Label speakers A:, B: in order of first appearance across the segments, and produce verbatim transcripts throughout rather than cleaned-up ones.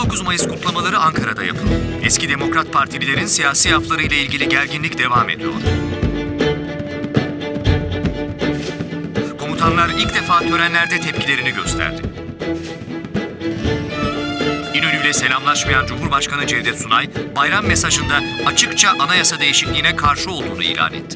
A: dokuz Mayıs kutlamaları Ankara'da yapıldı. Eski Demokrat Partililerin siyasi aflarıyla ilgili gerginlik devam ediyor. Komutanlar ilk defa törenlerde tepkilerini gösterdi. İnönü'yle selamlaşmayan Cumhurbaşkanı Cevdet Sunay, bayram mesajında açıkça anayasa değişikliğine karşı olduğunu ilan etti.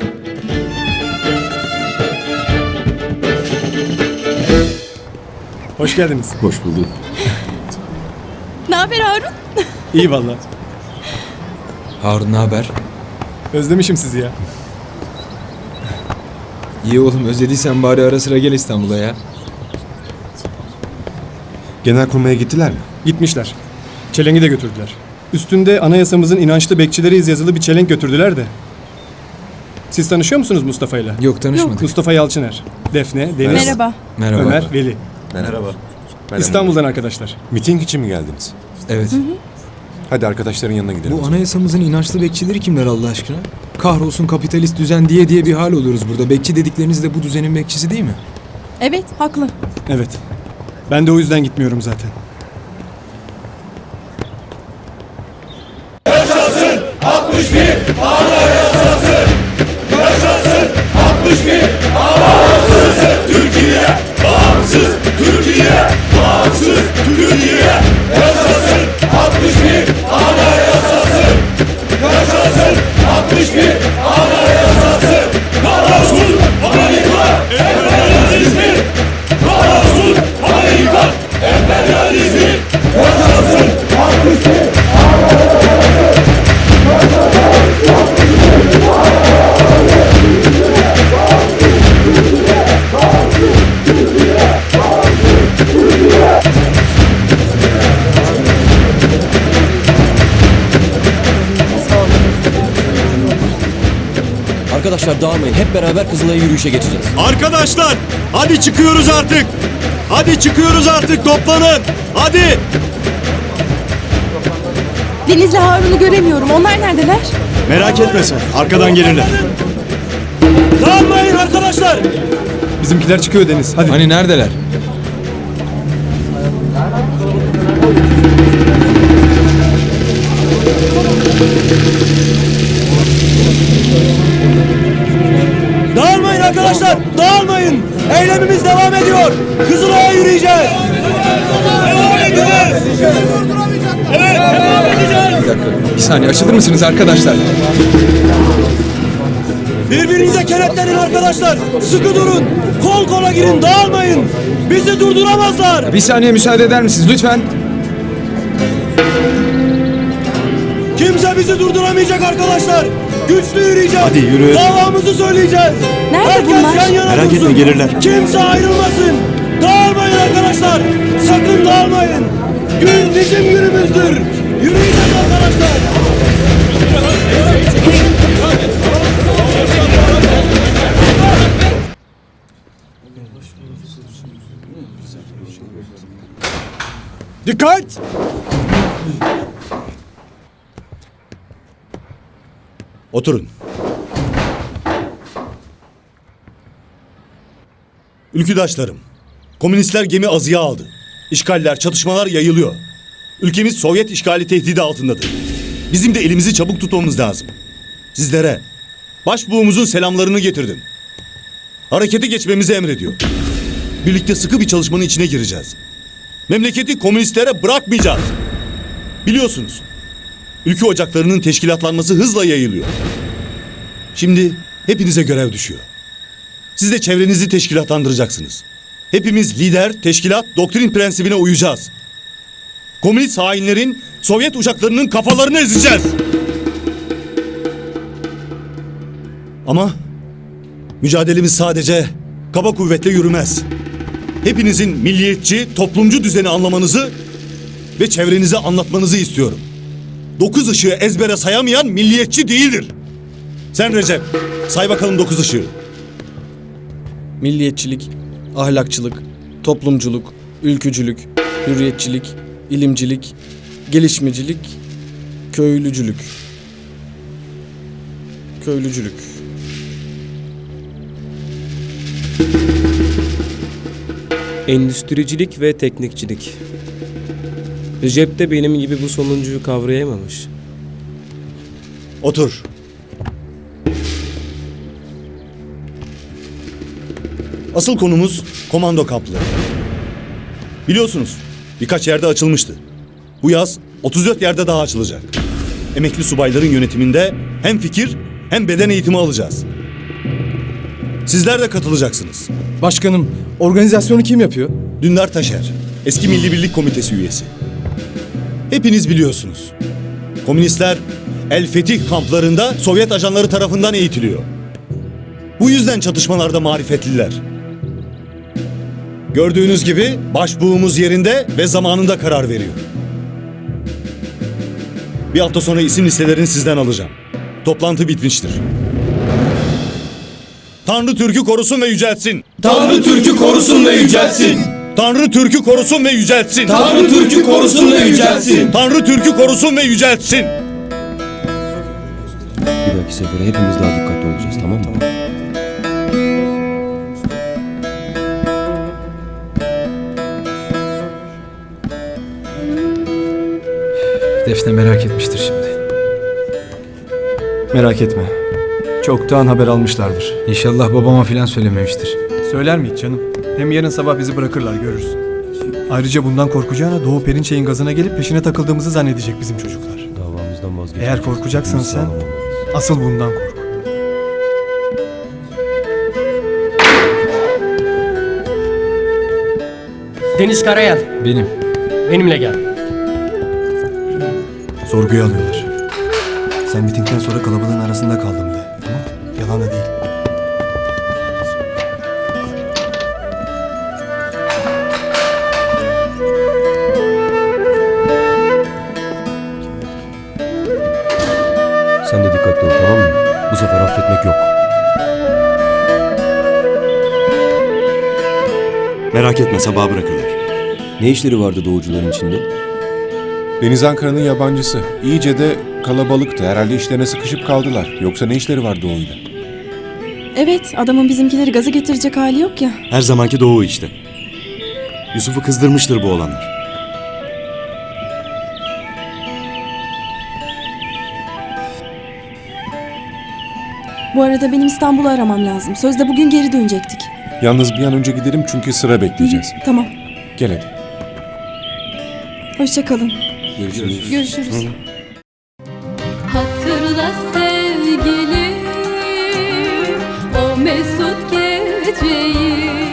B: Hoş geldiniz.
C: Hoş bulduk.
D: Ne haber Harun?
B: İyi vallahi.
C: Harun ne haber?
B: Özlemişim sizi ya.
C: İyi oğlum, özlediysen bari ara sıra gel İstanbul'a ya.
E: Genelkurmay'a gittiler mi?
B: Gitmişler. Çelengi de götürdüler. Üstünde anayasamızın inançlı bekçileriyiz yazılı bir çelenk götürdüler de. Siz tanışıyor musunuz Mustafa'yla?
C: Yok, tanışmadık.
B: Mustafa Yalçıner, Defne, Deniz,
D: Merhaba.
C: Merhaba.
B: Ömer, Veli.
E: Merhaba. Merhaba.
B: İstanbul'dan arkadaşlar.
E: Miting için mi geldiniz?
C: Evet.
D: Hı hı.
E: Hadi arkadaşların yanına gidelim.
C: Bu anayasamızın inançlı bekçileri kimler Allah aşkına? Kahrolsun kapitalist düzen diye diye bir hal oluyoruz burada. Bekçi dedikleriniz de bu düzenin bekçisi değil mi?
D: Evet, haklı.
B: Evet. Ben de o yüzden gitmiyorum zaten.
F: Yaşasın altmış bir Anayasası! Yaşasın altmış bir Anayasası! Türkiye bağımsız! Türkiye bağımsız! Türkiye yaşasın altmış bir Anayasası! Yaşasın altmış bir Anayasası! Kahrolsun Amerika emperyalizmi! Kahrolsun Amerika emperyalizmi! Yaşasın altmış bir
G: Arkadaşlar dağılmayın. Hep beraber Kızılay'a yürüyüşe geçeceğiz.
F: Arkadaşlar hadi çıkıyoruz artık. Hadi çıkıyoruz artık, toplanın. Hadi.
D: Deniz'le Harun'u göremiyorum. Onlar neredeler?
F: Merak etme sen. Arkadan gelirler. Dağılmayın arkadaşlar.
B: Bizimkiler çıkıyor Deniz. Hadi.
C: Hani neredeler?
F: Dağılmayın arkadaşlar. Dağılmayın. Eylemimiz devam ediyor. Kızılay'a yürüyeceğiz. Devam edeceğiz. Evet, devam edeceğiz.
C: Bir dakika. Bir saniye, açılır mısınız arkadaşlar?
F: Birbirinize kenetlenin arkadaşlar. Sıkı durun. Kol kola girin. Dağılmayın. Bizi durduramazlar.
C: Bir saniye müsaade eder misiniz lütfen?
F: Kimse bizi durduramayacak arkadaşlar. Güçlü yürüyeceğiz. Hadi yürü. Davamızı söyleyeceğiz.
D: Nerede
F: Herkes
D: bunlar?
F: yan yana
E: Merak
F: dursun.
E: etme, gelirler.
F: Kimse ayrılmasın. Dağılmayın arkadaşlar. Sakın dağılmayın. Gün bizim günümüzdür. Yürüyeceğiz arkadaşlar.
B: Dikkat!
F: Oturun. Ülküdaşlarım, komünistler gemi azıya aldı. İşgaller, çatışmalar yayılıyor. Ülkemiz Sovyet işgali tehdidi altındadır. Bizim de elimizi çabuk tutmamız lazım. Sizlere başbuğumuzun selamlarını getirdim. Harekete geçmemizi emrediyor. Birlikte sıkı bir çalışmanın içine gireceğiz. Memleketi komünistlere bırakmayacağız. Biliyorsunuz, ülke ocaklarının teşkilatlanması hızla yayılıyor. Şimdi hepinize görev düşüyor. Siz de çevrenizi teşkilatlandıracaksınız. Hepimiz lider, teşkilat, doktrin prensibine uyacağız. Komünist hainlerin Sovyet uçaklarının kafalarını ezeceğiz. Ama mücadelemiz sadece kaba kuvvetle yürümez. Hepinizin milliyetçi, toplumcu düzeni anlamanızı ve çevrenize anlatmanızı istiyorum. Dokuz ışığı ezbere sayamayan milliyetçi değildir. Sen Recep, say bakalım dokuz ışığı.
H: Milliyetçilik, ahlakçılık, toplumculuk, ülkücülük, hürriyetçilik, ilimcilik, gelişmecilik, köylücülük. Köylücülük. Endüstricilik ve teknikçilik.
I: Recep de benim gibi bu sonuncuyu kavrayamamış.
F: Otur. Asıl konumuz komando kampları. Biliyorsunuz birkaç yerde açılmıştı. Bu yaz otuz dört yerde daha açılacak. Emekli subayların yönetiminde hem fikir hem beden eğitimi alacağız. Sizler de katılacaksınız.
C: Başkanım, organizasyonu kim yapıyor?
F: Dündar Taşer, eski Milli Birlik Komitesi üyesi. Hepiniz biliyorsunuz. Komünistler El Fetih kamplarında Sovyet ajanları tarafından eğitiliyor. Bu yüzden çatışmalarda marifetliler. Gördüğünüz gibi başbuğumuz yerinde ve zamanında karar veriyor. Bir hafta sonra isim listelerini sizden alacağım. Toplantı bitmiştir. Tanrı Türk'ü korusun ve yüceltsin.
G: Tanrı Türk'ü korusun ve yüceltsin.
F: Tanrı Türk'ü korusun ve yüceltsin.
G: Tanrı Türk'ü korusun ve yüceltsin.
F: Tanrı Türk'ü korusun ve yüceltsin.
G: Bir dahaki sefere hepimiz daha dikkatli olacağız, tamam mı?
C: Defne merak etmiştir şimdi.
B: Merak etme. Çoktan haber almışlardır.
C: İnşallah babama filan söylememiştir.
B: Söyler mi hiç canım? Hem yarın sabah bizi bırakırlar, görürsün. Ayrıca bundan korkacağına Doğu Perinçek'in gazına gelip peşine takıldığımızı zannedecek bizim çocuklar.
G: Davamızdan vazgeçelim.
B: Eğer korkacaksan sen, asıl bundan kork.
J: Deniz Karayel,
C: Benim.
J: benimle gel.
B: Sorguya alıyorlar. Sen mitingden sonra kalabalığın arasında kaldım de. Tamam mı? Yalan da değil.
G: Sen de dikkatli ol, tamam mı? Bu sefer affetmek yok.
F: Merak etme, sabaha bırakırlar.
G: Ne işleri vardı doğucuların içinde?
E: Deniz Ankara'nın yabancısı. İyice de kalabalıktı. Herhalde işlerine sıkışıp kaldılar. Yoksa ne işleri var Doğu'yla?
D: Evet, adamın bizimkileri gaza getirecek hali yok ya.
F: Her zamanki Doğu işte. Yusuf'u kızdırmıştır bu olanlar.
D: Bu arada benim İstanbul'u aramam lazım. Sözde bugün geri dönecektik.
E: Yalnız bir an önce gidelim çünkü sıra bekleyeceğiz.
D: Tamam.
E: Gel hadi.
D: Hoşça kalın.
G: Görüşürüz.
D: Görüşürüz.
K: Hatırla sevgilim o mesut geceyi.